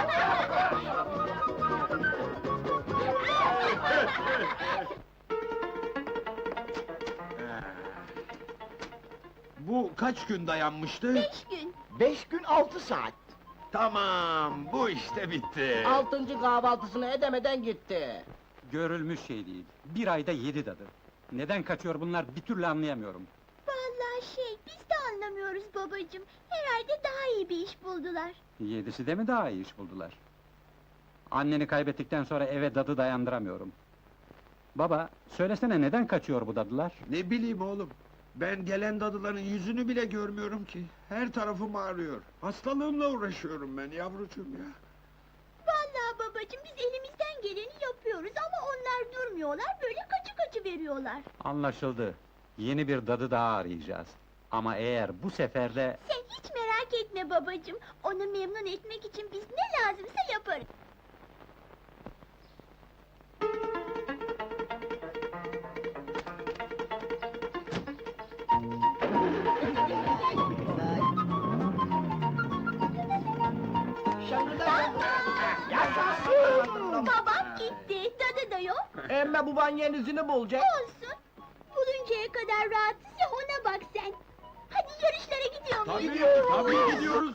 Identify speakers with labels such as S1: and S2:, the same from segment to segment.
S1: Bu kaç gün dayanmıştı?
S2: 5 gün.
S3: 5 gün 6 saat.
S1: Tamam, bu işte bitti.
S3: 6. kahvaltısını edemeden gitti.
S4: Görülmüş şey değil. Bir ayda 7 dadı. Neden kaçıyor bunlar bir türlü anlayamıyorum.
S2: Vallahi biz de anlamıyoruz babacığım. Herhalde daha iyi bir iş buldular.
S4: 7'si de mi daha iyi iş buldular? Anneni kaybettikten sonra eve dadı dayandıramıyorum. Baba, söylesene neden kaçıyor bu dadılar?
S1: Ne bileyim oğlum, ben gelen dadıların yüzünü bile görmüyorum ki. Her tarafım ağrıyor. Hastalığımla uğraşıyorum ben yavrucuğum ya.
S2: Vallahi babacığım biz elimizden geleni yapıyoruz ama onlar durmuyorlar, böyle kaçı veriyorlar.
S4: Anlaşıldı. Yeni bir dadı daha arayacağız. Ama eğer bu sefer de...
S2: Sen hiç merak etme babacığım. Onu memnun etmek için biz ne lazımsa yaparız.
S3: Yaşasın!
S2: Babam gitti, dadı da yok.
S3: Emme baban yenisini bulacak.
S2: Olsun. Buluncaya kadar rahatsız ya, ona bak sen. Hadi yarışlara gidiyor muyuz?
S1: Tabii gidiyoruz.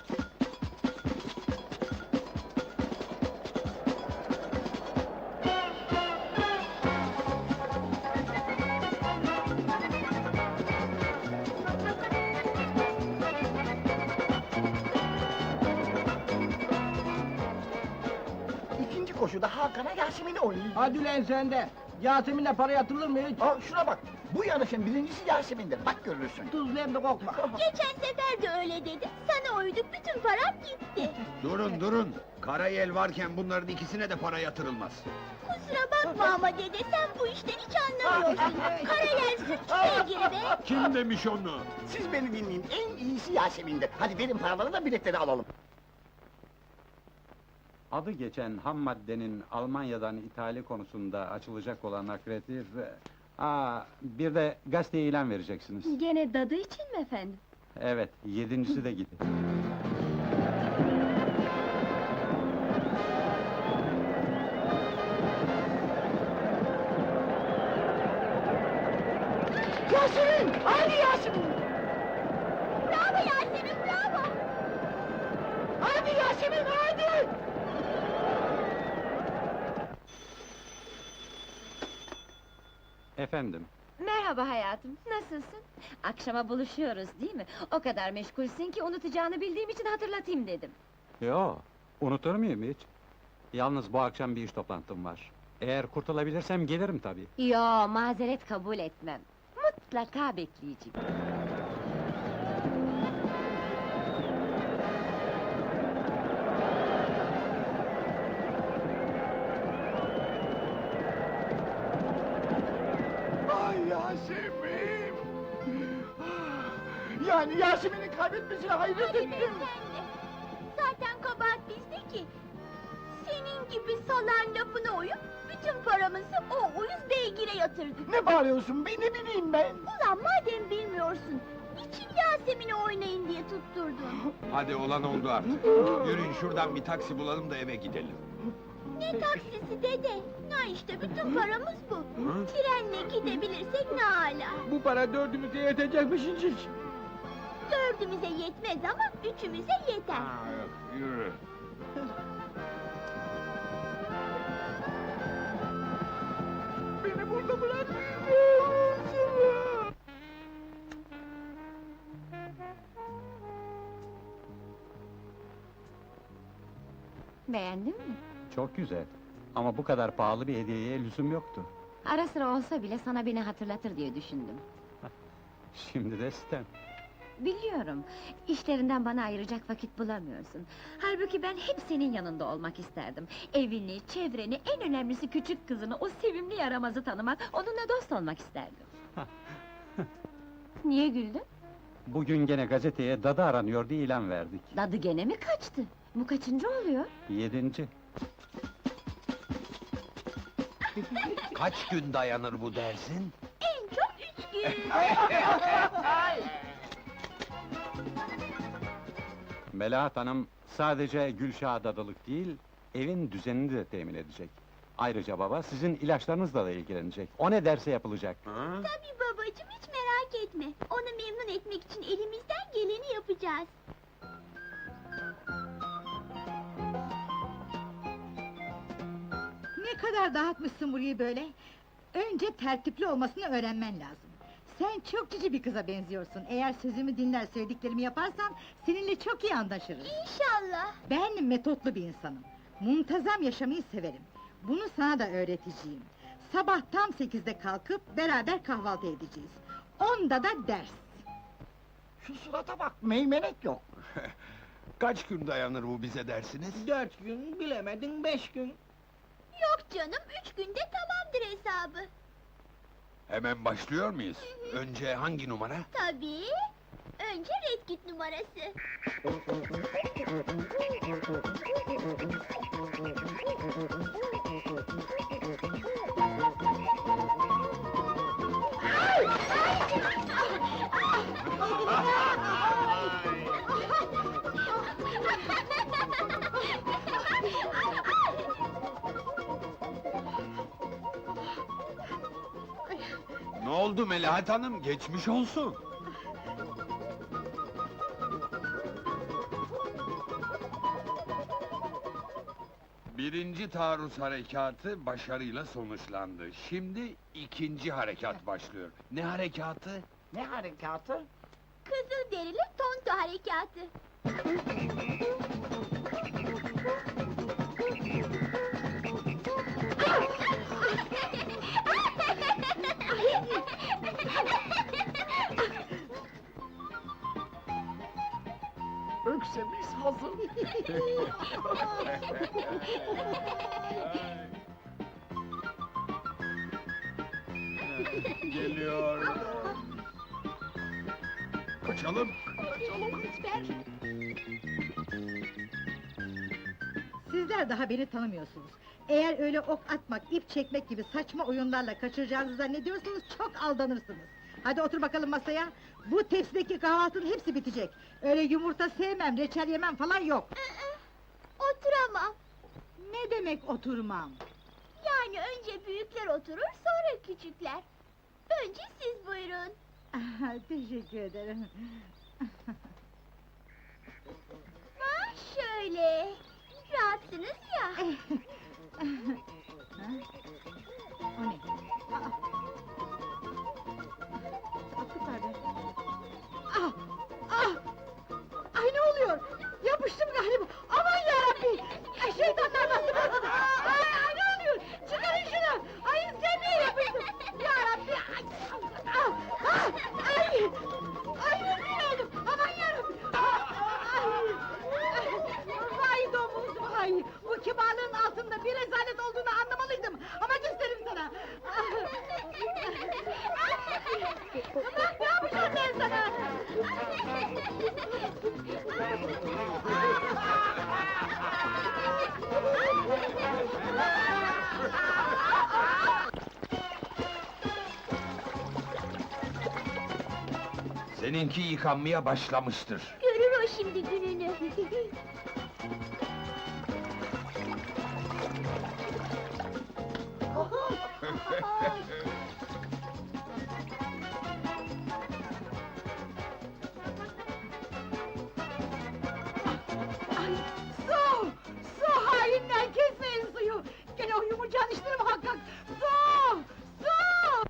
S3: İkinci koşuda Hakan'a Yasemin'i oynayacak.
S5: Hadi lan sen de! Yasemin'le para yatılır mı hiç?
S3: Aa, şuna bak, bu yarışın birincisi Yasemin'dir, bak görürsün.
S5: Tuzlu hem de kokma!
S2: Geçen sefer de öyle dedi. Sana uyduk, bütün param gitti.
S1: Durun. Karayel varken bunların ikisine de para yatırılmaz.
S2: Kusura bakma ama dede, sen bu işten hiç anlamıyorsun. Karayel suçlu sevgili be!
S1: Kim demiş onu?
S3: Siz beni dinleyin, en iyisi Yasemin'dir. Hadi verin paraları da biletleri alalım.
S4: Adı geçen ham maddenin Almanya'dan ithali konusunda açılacak olan akreditif... bir de gazeteye ilan vereceksiniz.
S2: Gene dadı için mi efendim?
S4: Evet, 7'si de gitti.
S3: Yasemin! Hadi Yasemin!
S2: Bravo Yasemin, bravo!
S3: Hadi Yasemin, hadi!
S4: Efendim,
S6: Merhaba hayatım, nasılsın? Akşama buluşuyoruz değil mi? O kadar meşgulsün ki unutacağını bildiğim için hatırlatayım dedim.
S4: yo, unutur muyum hiç? Yalnız bu akşam bir iş toplantım var. Eğer kurtulabilirsem gelirim tabii.
S6: Yo, mazeret kabul etmem. Mutlaka bekleyeceğim.
S3: Ay Yasemin! Yani Yasemin'i kaybetmesine hayret
S2: Hadi be
S3: ettim.
S2: sen de! Zaten kabahat bizde ki! Senin gibi salan lafına uyup, bütün paramızı o uyuz beygire yatırdık.
S3: Ne bağırıyorsun be, ne bileyim ben?
S2: Ulan madem bilmiyorsun, niçin Yasemin'i oynayın diye tutturdun?
S1: Hadi olan oldu artık. Yürüyün şuradan bir taksi bulalım da eve gidelim.
S2: Ne taksisi dede? Na işte bütün paramız bu. Trenle gidebilirsek ne âlâ.
S5: Bu para dördümüze yetecekmiş hiç!
S2: Dördümüze yetmez ama üçümüze yeter.
S1: Yok, yürü.
S3: Beni burada bırakmayın!
S6: Beğendin mi?
S4: Çok güzel. Ama bu kadar pahalı bir hediyeye lüzum yoktu.
S6: Ara sıra olsa bile sana beni hatırlatır diye düşündüm.
S4: Şimdi de sitem.
S6: Biliyorum, işlerinden bana ayıracak vakit bulamıyorsun. Halbuki ben hep senin yanında olmak isterdim. Evini, çevreni, en önemlisi küçük kızını, o sevimli yaramazı tanımak, onunla dost olmak isterdim. Niye güldün?
S4: Bugün gene gazeteye dadı aranıyor diye ilan verdik.
S6: Dadı gene mi kaçtı? Bu kaçıncı oluyor?
S4: 7.
S1: Kaç gün dayanır bu dersin?
S2: En çok 3 gün.
S4: Melahat Hanım sadece Gülşah'a dadılık değil, evin düzenini de temin edecek. Ayrıca baba sizin ilaçlarınızla da ilgilenecek. O ne derse yapılacak.
S1: Ha?
S2: Tabii babacığım, hiç merak etme. Onu memnun etmek için elimizden geleni yapacağız.
S7: Ne kadar dağıtmışsın burayı böyle? Önce tertipli olmasını öğrenmen lazım. Sen çok cici bir kıza benziyorsun. Eğer sözümü dinler, söylediklerimi yaparsan seninle çok iyi anlaşırız.
S2: İnşallah.
S7: Ben metotlu bir insanım. Muntazam yaşamayı severim. Bunu sana da öğreteceğim. Sabah tam 8'de kalkıp beraber kahvaltı edeceğiz. 10'da da ders.
S3: Şu surata bak, meymenek yok.
S1: Kaç gün dayanır bu bize dersiniz?
S5: 4 gün, bilemedin 5 gün.
S2: Yok canım, 3 günde tamamdır hesabı.
S1: Hemen başlıyor muyuz? Önce hangi numara?
S2: Tabii. Önce Red Kit numarası.
S1: Ne oldu Melahat Hanım? Geçmiş olsun. Birinci taarruz harekatı başarıyla sonuçlandı. Şimdi ikinci harekat başlıyor. Ne harekatı?
S3: Ne harekatı?
S2: Kızılderili Tonto harekatı.
S3: Öksemiz hazır.
S1: Geliyor. Kaçalım.
S7: Sizler daha beni tanımıyorsunuz. Eğer öyle ok atmak, ip çekmek gibi saçma oyunlarla kaçıracağınızı zannediyorsanız çok aldanırsınız. Hadi otur bakalım masaya. Bu tepsideki kahvaltının hepsi bitecek. Öyle yumurta sevmem, reçel yemem falan yok.
S2: Oturamam.
S7: Ne demek oturmam?
S2: Yani önce büyükler oturur, sonra küçükler. Önce siz buyurun.
S7: Teşekkür ederim.
S2: Ha, şöyle. Rahatsınız ya.
S7: O ne? Aklı pardon. Ah! Ah! Ay ne oluyor? Yapıştım galiba. Aman yarabbi! Ay şeytanlar bastı bastı! Ay ne oluyor? Çıkarın şunu! Ay sevmeye yapıştım! Yarabbi! Ay! Ah! Ah! Ay! Ay rezil oldum! Aman yarabbi! Ay! Vay domuz vay! Bu kibarlığın altında bir rezalet olduğunu anlamalıydım! Ama gösteririm sana! Bak ne yapacağım ben sana!
S1: Seninki yıkanmaya başlamıştır.
S2: Görür o şimdi gününü.
S7: Ay, su! Su hainler kesmeyin suyu! Gene o yumurcağın işleri muhakkak! Su! Su!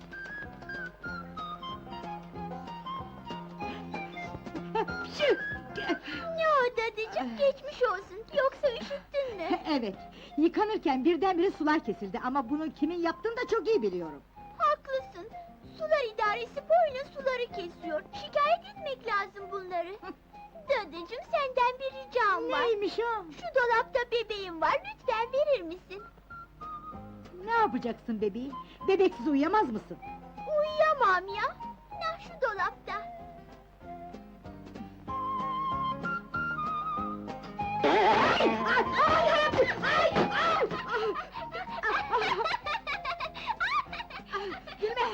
S7: Pşü!
S2: Ne o dadıcığım, geçmiş olsun. Yoksa üşüttün mü?
S7: Evet, yıkanırken birdenbire sular kesildi ama bunu kimin yaptığını da çok iyi biliyorum.
S2: Haklısın. Sular idaresi boyuna suları kesiyor. Şikayet etmek lazım bunları. Dadıcığım, senden bir ricam var.
S7: Neymiş o?
S2: Şu dolapta bebeğim var, lütfen verir misin?
S7: Ne yapacaksın bebeğim? Bebeksiz uyuyamaz mısın?
S2: Uyuyamam ya. Nah, şu dolapta.
S7: Gülme!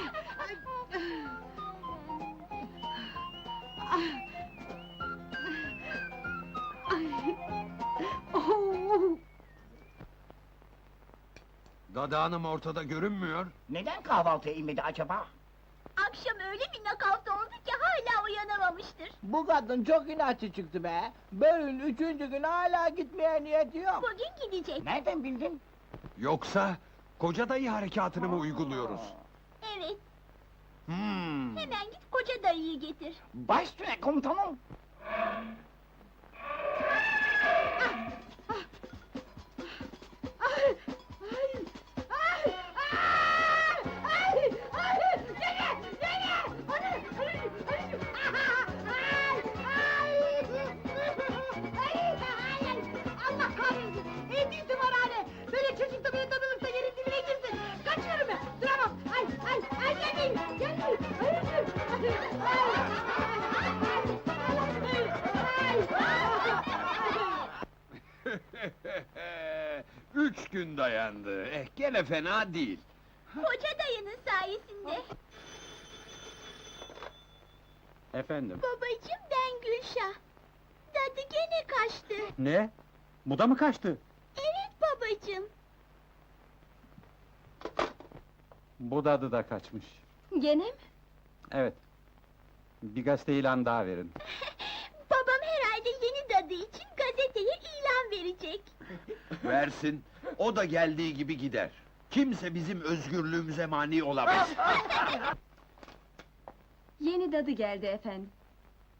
S1: Dadı hanım ortada görünmüyor.
S3: Neden kahvaltıya inmedi acaba?
S2: Akşam öyle bir nakavt oldu ki hala uyanamamıştır.
S5: Bu kadın çok inatçı çıktı be. Bölün 3. gün hala gitmeye niyeti yok.
S2: Bugün gidecek.
S3: Nereden bildin?
S1: Yoksa koca dayı harekatını mı uyguluyoruz?
S2: Evet,
S1: Hmm.
S2: hemen git koca dayıyı getir.
S3: Baş üstüne komutanım.
S7: Ay! Ay! Ay! Ay! Ay! Gene! Gene! Ay! Ay! Ay! Allah kahretsin! Eğitim tımarhane! Böyle çocuk da beni tanırsa yerin dibine girsin! Kaçıyorum ben! Duramam! Ay! Ay! Ay! Gelmeyin! Gelmeyin! Ay! Ay!
S1: 3 gün dayandı. Gene fena değil.
S2: Koca dayının sayesinde.
S4: Efendim,
S2: Babacığım, ben Gülşah. Dadı gene kaçtı.
S4: ne? Bu da mı kaçtı?
S2: Evet babacığım.
S4: Bu dadı da kaçmış.
S6: Gene mi?
S4: Evet. Bir gazete ilan daha verin.
S2: Babam herhalde yeni dadı için gazeteye ilan verecek.
S1: Versin. O da geldiği gibi gider. Kimse bizim özgürlüğümüze mani olamaz.
S6: Yeni dadı geldi efendim.